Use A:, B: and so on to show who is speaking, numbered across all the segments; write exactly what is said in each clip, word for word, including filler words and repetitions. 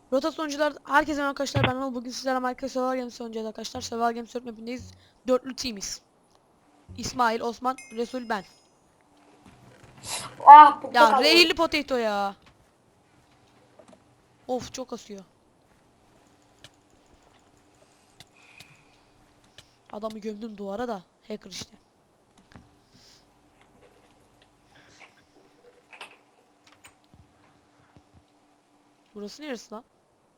A: Rota sonucular herkese merhaba arkadaşlar, ben Anıl. Bugün sizlerle Minecraft Survival Games oynayacağız arkadaşlar. Survival Games dört mapindeyiz. Dörtlü teamiz. İsmail, Osman, Resul, ben.
B: Ah bukta
A: Ya
B: kaldım.
A: rehirli potato ya. Of, çok asıyor. Adamı gömdüm duvara da. Hacker işte. Burası neresi lan?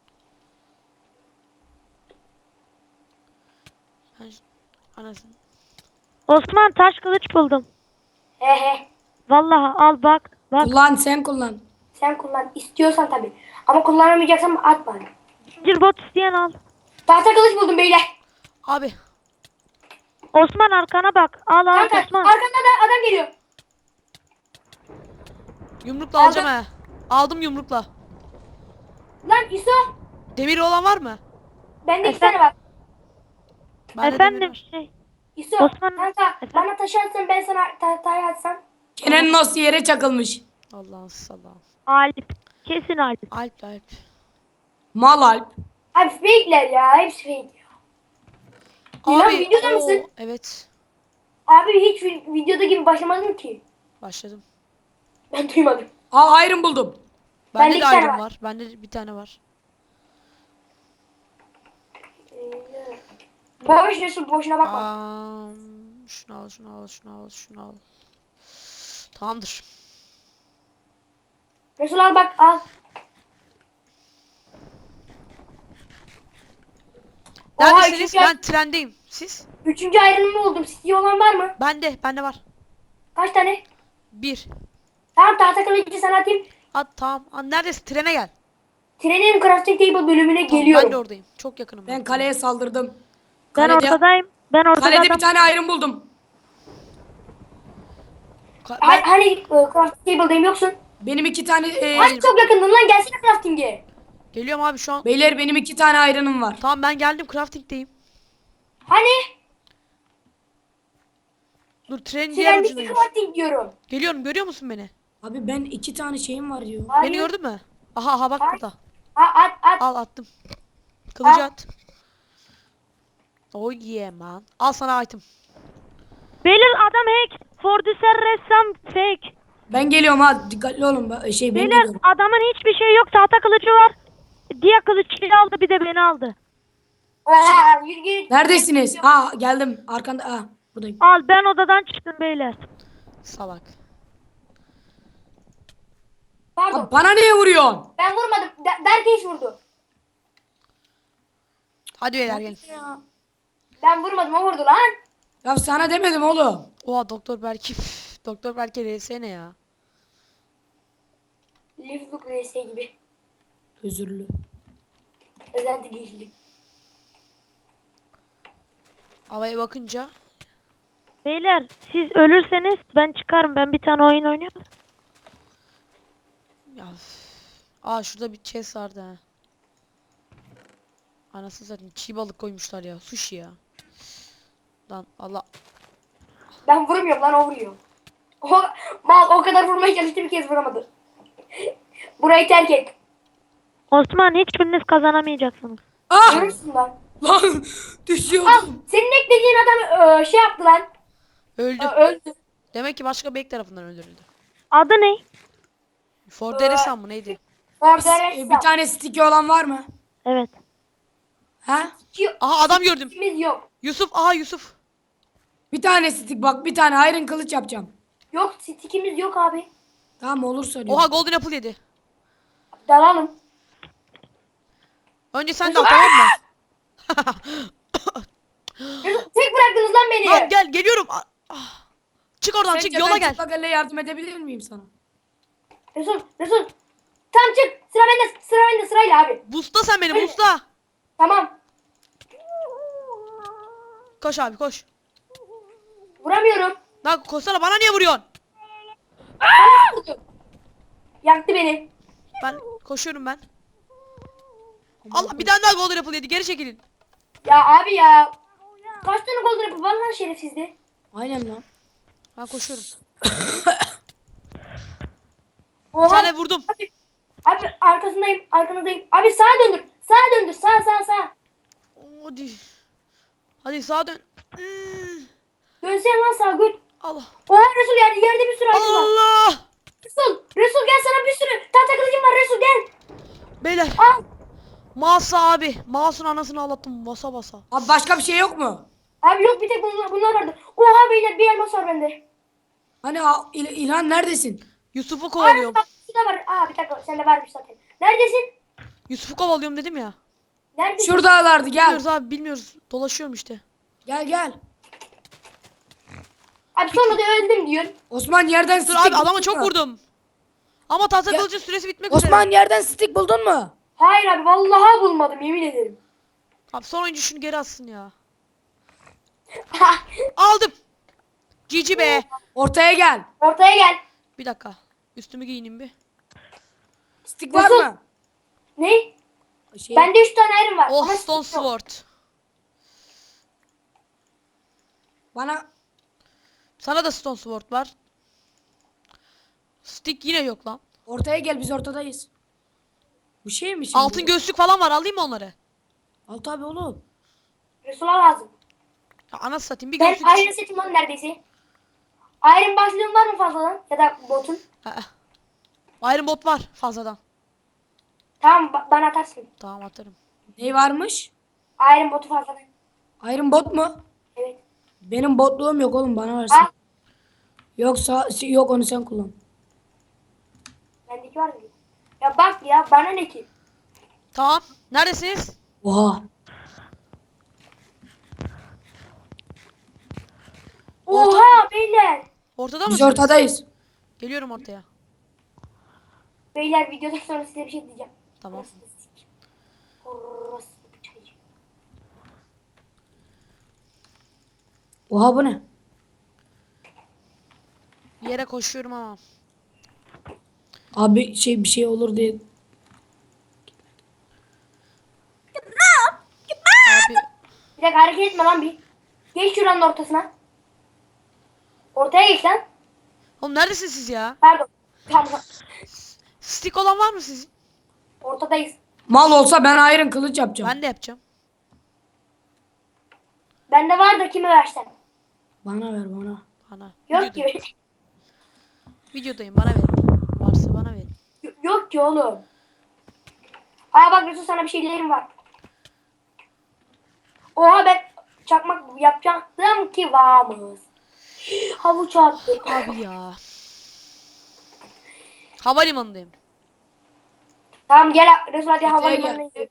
A: Ben ş- Anasını.
C: Osman taş kılıç buldum.
B: He he.
C: Vallahi al bak. Bak.
D: Kullan sen kullan.
B: Sen kullan istiyorsan tabi. Ama kullanamayacaksan at bana.
C: Zincir bot isteyen al.
B: Tahta kılıç buldum beyler.
A: Abi
C: Osman arkana bak. Al al
B: Kanka
C: Osman.
B: arkanda da adam geliyor.
A: yumrukla
B: Aldım.
A: alacağım he. Aldım yumrukla.
B: Lan İso.
A: Demir olan var mı?
B: Bende iki
C: Efendim?
B: tane var.
A: Bende demir
C: Efendim
A: var.
C: şey.
B: İso.
C: Osman,
B: Kanka
C: efendim?
B: bana taşı atsan ben sana tahtayı atsam.
D: Kenan nasıl yere çakılmış.
A: Allah'ın salam.
C: Alp. Kesin Alp.
A: Alp Alp.
D: Mal Alp.
B: Abi fake'ler ya. Hepsi fake. İlan
A: Abi
B: videoda
A: oo,
B: mısın?
A: evet.
B: Abi hiç vi- videoda gibi başlamadım ki.
A: Başladım.
B: Ben duymadım.
D: Aa iron buldum.
A: Bende
B: Bende
A: de
B: iki tane
A: iron
B: var.
A: var. Bende de bir tane var.
B: Boş Resul boşuna bakma.
A: Aa, şunu al, şunu al, şunu al, şunu al. Tamamdır.
B: Resul al bak al. Oha,
A: Neredesiniz?
B: üçüncü,
A: Ben trendeyim. Siz?
B: üçüncü ayrılımı buldum. City olan var mı?
A: Bende, bende var.
B: Kaç tane?
A: Bir.
B: Tamam tahta kılıcı sana atayım.
A: At tamam. Aa, neredesin? Trene gel.
B: Trenin crafting table bölümüne
A: Tamam,
B: geliyorum.
A: ben de oradayım. Çok yakınım.
D: Ben kaleye saldırdım.
C: Ben
D: Kalede,
C: ortadayım. Ben ortada
D: kalede
C: adam.
D: bir tane iron buldum.
A: Ka-
B: Hani,
A: ben...
B: hani e, crafting table'dayım yoksun.
D: Benim iki tane e,
B: Hani çok yakındın lan gelsene crafting'e.
A: Geliyorum abi şu an.
D: beyler benim iki tane iron'ım var.
A: Tamam, ben geldim. Crafting'deyim.
B: Hani
A: Dur, trenin diğer
B: trendeki
A: ucundayım.
B: crafting diyorum.
A: Geliyorum. Görüyor musun beni?
D: Abi ben iki tane şeyim var diyor.
B: Hayır.
A: Beni gördün mü? Aha aha, bak
B: Hayır.
A: burada.
B: Ha, at at.
A: Al, attım. Kılıcı
B: Al.
A: at. Oh yeah man. Al sana item.
C: Beyler adam hack. Fordüser ressam fake.
D: Ben geliyorum ha dikkatli olun. Ba- Şey ben
C: Beyler
D: geliyorum.
C: adamın hiçbir şey yok. Tahta kılıcı var. Diğer kılıcı aldı bir de beni aldı.
B: Aa, yürü git.
D: Neredesiniz? Ha geldim arkanda. Ha buradayım.
C: Al ben odadan çıktım beyler.
A: Salak.
B: Pardon.
D: Abi bana niye vuruyorsun?
B: Ben vurmadım. Der Derkeş vurdu.
A: Hadi beyler gelin.
D: Ya.
B: Ben vurmadım o vurdu lan.
D: Ya sana demedim oğlum.
A: Oha, Doktor Berke. Üf, Doktor Berke R S ne ya?
B: Live R S gibi.
D: Özürlü.
B: Özenti geçti.
A: Havaya bakınca.
C: Beyler siz ölürseniz ben çıkarım. Ben bir tane oyun oynuyorum.
A: Ya. üf. Aa, şurada bir chest vardı ha. Anasını satayım, çiğ balık koymuşlar ya. Sushi ya. Lan Allah.
B: Ben vurmuyorum lan o vuruyor. O, mal o kadar vurmaya çalıştı bir kez vuramadı. Burayı terk et.
C: Osman hiçbiriniz kazanamayacaksınız.
D: Ah!
B: Görürsün lan.
D: Lan
B: Al
D: düşüyordum.
B: senin eklediğin adam e, şey yaptı lan.
A: Öldü.
B: E, öldü.
A: Demek ki başka bir ek tarafından öldürüldü.
C: Adı ne?
A: Ford Eresan mı neydi?
B: Orada
D: E, bir tane sticky olan var mı?
C: Evet.
D: Ha?
A: Aha, adam gördüm.
B: İkimiz yok.
A: Yusuf, aha Yusuf.
D: Bir tane stick bak bir tane iron kılıç yapacağım.
B: Yok stickimiz yok abi.
D: Tamam olursa diyorum.
A: Oha, Golden Apple yedi.
B: Dalalım.
A: Önce sen de al, tamam mı?
B: Tek bıraktınız lan beni.
A: Lan gel, geliyorum. Ah, ah. Çık oradan,
D: Sence
A: çık yola
D: ben
A: gel.
D: çıplak elle yardım edebilir miyim sana?
B: Resul, Resul. Tamam çık. Sıra bende, sıra bende sırayla abi.
A: Busla sen beni, busla.
B: Tamam.
A: Koş abi, koş.
B: Vuramıyorum.
A: Lan koşsana, bana niye vuruyorsun?
B: Vurdu. Yaktı beni.
A: Ben koşuyorum ben. Allah, bir tane daha Golden Apple yedi, geri çekilin.
B: Ya abi ya. Kaç tane gol yapıp var lan şerefsizde.
D: Aynen lan.
A: Ben koşuyorum. Bir
B: Oha.
A: tane vurdum.
B: Abi, Abi arkasındayım. Arkanızdayım. Abi sağa döndür. Sağa döndür. Sağ sağ sağ.
A: Hadi. Hadi sağa dön. Hmm.
B: Dönsene lan sağa göt.
A: Allah.
B: Oha Resul yerde, yerde bir sürü item var.
A: Allah.
B: Resul. Resul gel sana bir sürü tahta kılıcım var Resul gel.
A: Beyler.
B: Al.
A: Masa abi. Mouse'un anasını ağlattım basa basa.
D: Abi başka bir şey yok mu?
B: Abi yok bir tek bunlar, bunlar vardı. Oha beyler bir elmas var bende.
D: Hani a- İl- İlhan neredesin?
A: Yusuf'u
B: Abi
A: kovalıyorum.
B: bak şurada var. Aa bir dakika sende varmış zaten. Neredesin?
A: Yusuf'u kovalıyorum dedim ya.
B: Neredesin?
D: Şuradalardı gel.
A: Bilmiyoruz abi bilmiyoruz. Dolaşıyorum işte.
D: Gel gel.
B: Abi sonra da öldüm diyorsun.
D: Osman yerden
A: Dur
D: stick
A: abi adama
D: buldun
A: çok
D: mu?
A: vurdum. Ama tahta
D: Ya-
A: kılıcın süresi bitmek üzere.
D: Osman yerden stick buldun mu?
B: Hayır abi vallahi bulmadım yemin ederim.
A: Abi son oyuncu şunu geri atsın ya. Aldım. Cici be.
D: Ortaya gel.
B: Ortaya gel.
A: Bir dakika. Üstümü giyineyim bir.
D: Stick var
B: Nasıl?
D: mı?
B: Ne?
D: Şey,
B: Bende üç tane ayrım var.
A: Oh
B: Ama
A: Stone
B: stick yok.
A: Sword.
D: bana
A: Sana da Stone Sword var. Stick yine yok lan.
D: ortaya gel biz ortadayız. Bu şey mi şimdi?
A: Altın gözlük falan var alayım mı onları?
D: Al tabi oğlum.
B: Resul'a lazım.
A: Ya anasını satayım bir
B: Ben
A: gözlük.
B: ayrım setim var neredeyse. Ayrım başlığın var mı fazladan? Ya da botun?
A: Aa, Iron Bot var fazladan.
B: Tamam ba- bana atarsın.
A: Tamam atarım.
D: Ne varmış?
B: Ayrım botu fazladan.
D: Iron bot mu?
B: Evet.
D: Benim botluğum yok oğlum bana versin.
B: Al.
D: Yoksa yok onu sen kullan.
B: Bendeki var mı? Ya bak ya bana ne ki?
A: Tamam. Neredesiniz?
D: Oha.
A: Orta-
B: Oha beyler.
A: Ortada
D: Biz
A: mısınız?
D: ortadayız.
A: Geliyorum ortaya.
B: Beyler videodan sonra size bir şey diyeceğim.
A: Tamam.
B: Orası da sik. Orası da çaycı.
D: Oha bu ne?
A: Bir yere koşuyorum ama.
D: Abi şey bir şey olur diye.
A: Abi
B: Bir dakika hareket etme lan bir. Geç şuranın ortasına. Ortaya geç lan.
A: oğlum neredesiniz siz ya?
B: Pardon. Tamam.
A: Stick olan var mı sizin?
B: Ortadayız.
D: Mal olsa ben iron kılıç yapacağım.
A: Ben de yapacağım.
B: Bende var da kime versen.
D: Bana ver bana.
A: Bana.
B: Yok
A: Videodayım.
B: ki.
A: Videodayım bana verin. Varsa bana verin.
B: Yok ki oğlum. Aa bak Resul sana bir şeylerim var. Oha ben çakmak yapacaktım ki varmış. Havuç attı.
A: Abi ya. Havalimanındayım.
B: Tamam gel Resul hadi
D: gel.
B: havalimanına gidelim.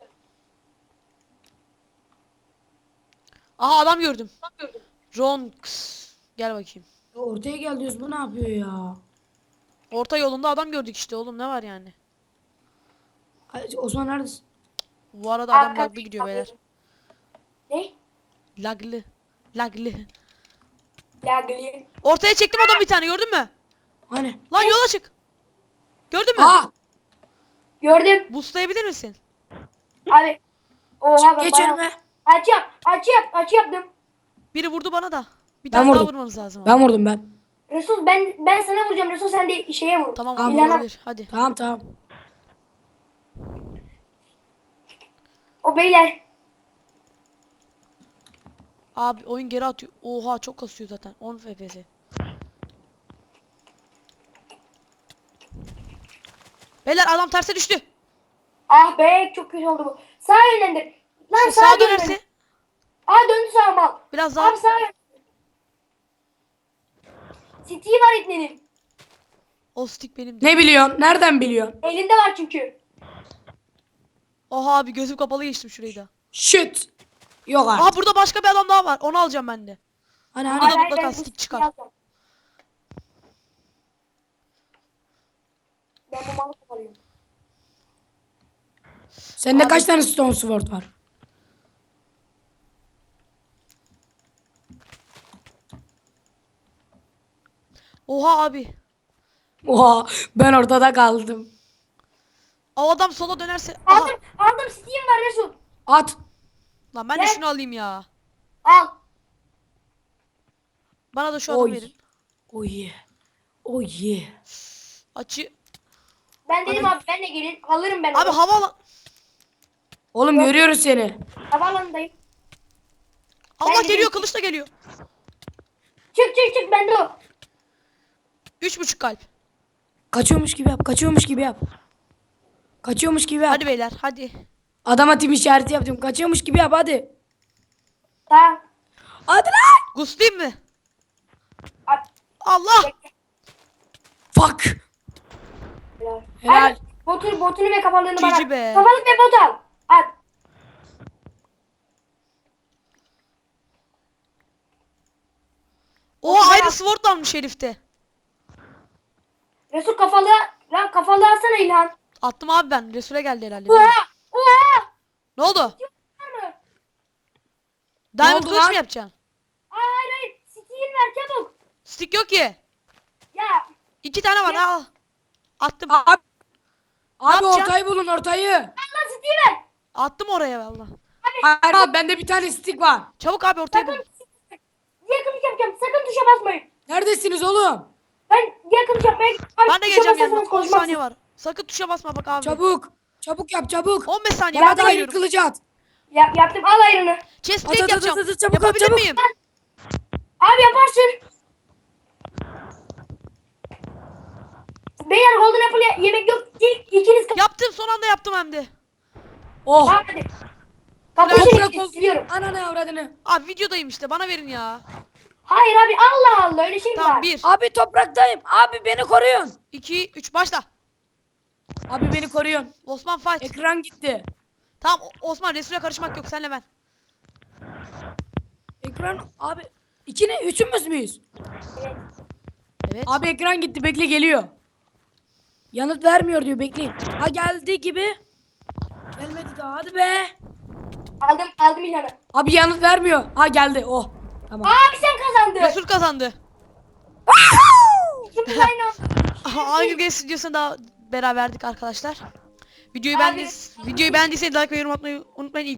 A: Aha adam gördüm. Ronx. Gel bakayım.
D: Ya ortaya gel diyoruz bu ne yapıyor ya?
A: Orta yolunda adam gördük işte oğlum ne var yani?
D: Ay, Osman neredesin?
A: Bu arada adam
B: Arka-
A: laglı gidiyor beyler.
B: Ne?
A: Laglı. Laglı.
B: Ya gülüyor.
A: Ortaya çektim adam bir tane gördün mü?
D: Hani?
A: Lan yola çık. Gördün mü?
D: Aa!
B: Gördüm.
A: Boostlayabilir misin?
B: Abi. Oha ben
D: Geç
B: bayağı-
D: önüme.
B: Açı yap. Açı yap. Açı yaptım.
A: Biri vurdu bana da. Bir
D: Ben
A: tane daha
D: vurdum.
A: vurmanız lazım. ama.
D: Ben vurdum ben.
B: Resul ben ben sana vuracağım. Resul sen de şeye vur.
A: Tamam
D: Tamam,
A: tamam,
B: İlhan'a-
A: olabilir. Hadi.
D: Tamam tamam.
B: O beyler.
A: Abi oyun geri atıyor. Oha çok kasıyor zaten. on F P S. Beyler adam terse düştü.
B: Ah be çok kötü oldu bu. Sağ yönlendir. Lan
A: Şu
B: sağa
A: sağa
B: dönerse.
A: dönerse
B: Aa döndü sağa mal.
A: biraz daha.
B: Abi sağa yön. City var itnenin.
A: O stick benim de.
D: Ne biliyorsun? Nereden biliyorsun?
B: Elinde var çünkü.
A: Oha abi gözüm kapalı geçtim şurayı da.
D: Shit. Yok artık.
A: Aha burada başka bir adam daha var. Onu alacağım ben de.
D: Hani
A: Hayır,
D: hani.
A: da
B: Hayır,
A: mutlaka
B: ben bu
A: stick
B: City'yi
A: çıkar.
B: alacağım. Ben bu malı kovalıyorum.
D: Sende
A: Abi-
D: kaç tane stone sword var?
A: Oha abi.
D: Oha ben ortada kaldım.
A: O adam sola dönerse. Aha.
B: Aldım. Aldım City'yim var Resul.
D: At.
A: Lan ben de
B: Gel.
A: şunu alayım ya.
B: Al.
A: Bana da şu adamı
D: Oy.
A: verin.
D: Oh yeah. Oh yeah.
A: Açı.
B: Ben dedim abi ben de gelin. Alırım ben
A: Abi
B: onu.
A: hava
D: Oğlum görüyoruz seni.
B: Havaalanındayım.
A: Allah
B: Ben de
A: geliyor,
B: değilim.
A: kılıç da geliyor.
B: Çık çık çık bende o.
A: Üç buçuk kalp.
D: Kaçıyormuş gibi yap. Kaçıyormuş gibi yap. Kaçıyormuş gibi yap.
A: Hadi beyler hadi.
D: Adama tim işareti yaptım. Kaçıyormuş gibi yap hadi.
B: Tamam.
D: Hadi lan.
A: Guslayayım mı?
B: Abi,
A: Allah.
D: Fuck.
B: helal.
D: Helal.
B: Abi, botu, botunu ve kafalığını
A: Cici
B: bana.
A: be.
B: Kafalık ve bot al. At.
A: Oha aynı sword almış herifte.
B: Resul kafalığı. Lan kafalığı alsana İlhan.
A: Attım abi ben. Resul'e geldi herhalde.
B: Oha. Oha.
A: Ne oldu?
B: Var mı?
A: Diamond
D: oldu
A: kılıç
D: lan?
A: mı yapacaksın?
B: Hayır hayır. Steal ver çabuk.
A: Stick yok ki.
B: Ya.
A: İki tane var al. Attım.
D: Abi. Abi
A: yapacaksın?
D: ortayı bulun ortayı.
B: Allah Steal ver.
A: Attım oraya valla.
D: Hayır abi bende bir tane stick var.
A: Çabuk abi ortaya bul.
B: Sakın. Diye kılıç yapacağım. Sakın tuşa basmayın.
D: Neredesiniz oğlum?
B: Ben diye kılıç yapmaya Abi,
A: Ben de
B: tuşa
A: geleceğim
B: basarsanız
A: yanına. on
B: konuşmazsın.
A: saniye var. Sakın tuşa basma bak abi.
D: Çabuk. Çabuk yap çabuk.
A: on beş saniye.
D: Bana
A: Ben de
D: da ayrı
A: geliyorum.
D: kılıcı at.
B: Yap, yaptım al ayrını.
A: Chest
D: At,
A: plate
D: at, at,
A: yapacağım.
D: at, at, çabuk, at,
A: Yapabilir
D: çabuk.
A: miyim?
B: Abi yaparsın. Beyler Golden Apple ye- yemek yok. İlk ikiniz kal.
A: Yaptım son anda yaptım hem de.
D: Oh.
B: Tamam hadi. Kapıyı
D: Toprak
B: siliyorum.
D: ol.
B: siliyorum.
D: Ananı avradını.
A: Abi videodayım işte bana verin ya.
B: Hayır abi Allah Allah öyle şey mi
A: Tamam
B: var?
A: bir,
D: Abi topraktayım. Abi beni koruyun.
A: iki, üç başla.
D: Abi beni koruyun.
A: Osman fight.
D: Ekran gitti.
A: Tamam O- Osman Resul'e karışmak yok senle ben.
D: Ekran abi. İki ne? Üçümüz müyüz?
B: Evet.
A: Evet.
D: Abi ekran gitti. Bekle geliyor. Yanıt vermiyor diyor. Bekleyin. Ha geldi gibi. Gelmedi daha. Hadi be.
B: Aldım aldım İlhan'ı.
D: Abi yanıt vermiyor. Ha geldi. Oh. Tamam.
B: Abi sen kazandın.
A: Resul kazandı.
B: İkimiz aynı anda.
A: Aha, Hunger Games videosunda beraberdik arkadaşlar. Videoyu
B: Abi-
A: beğendiyseniz, videoyu beğendiyseniz like ve yorum atmayı unutmayın.